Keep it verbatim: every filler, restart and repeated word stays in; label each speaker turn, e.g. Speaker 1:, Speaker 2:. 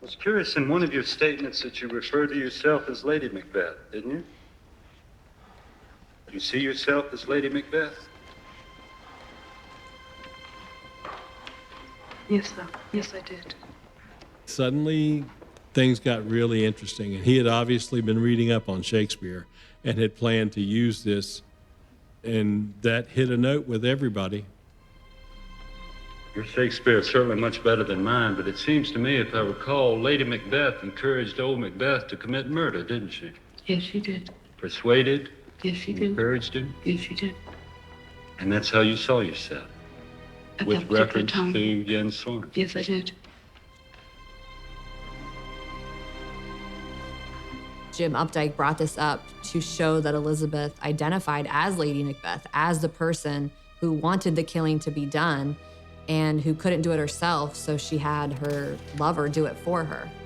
Speaker 1: was curious in one of your statements that you referred to yourself as Lady Macbeth, didn't you? You see yourself as Lady Macbeth?
Speaker 2: Yes, sir. Yes, I did.
Speaker 3: Suddenly, things got really interesting, and he had obviously been reading up on Shakespeare and had planned to use this, and that hit a note with everybody.
Speaker 1: Your Shakespeare is certainly much better than mine, but it seems to me, if I recall, Lady Macbeth encouraged old Macbeth to commit murder, didn't she?
Speaker 2: Yes, she did.
Speaker 1: Persuaded,
Speaker 2: Yes, she did.
Speaker 1: encouraged him,
Speaker 2: Yes, she did.
Speaker 1: and that's how you saw yourself,
Speaker 2: At
Speaker 1: with
Speaker 2: that particular
Speaker 1: reference
Speaker 2: time.
Speaker 1: to Jens Sorn.
Speaker 2: Yes, I did.
Speaker 4: Jim Updike brought this up to show that Elizabeth identified as Lady Macbeth, as the person who wanted the killing to be done and who couldn't do it herself, so she had her lover do it for her.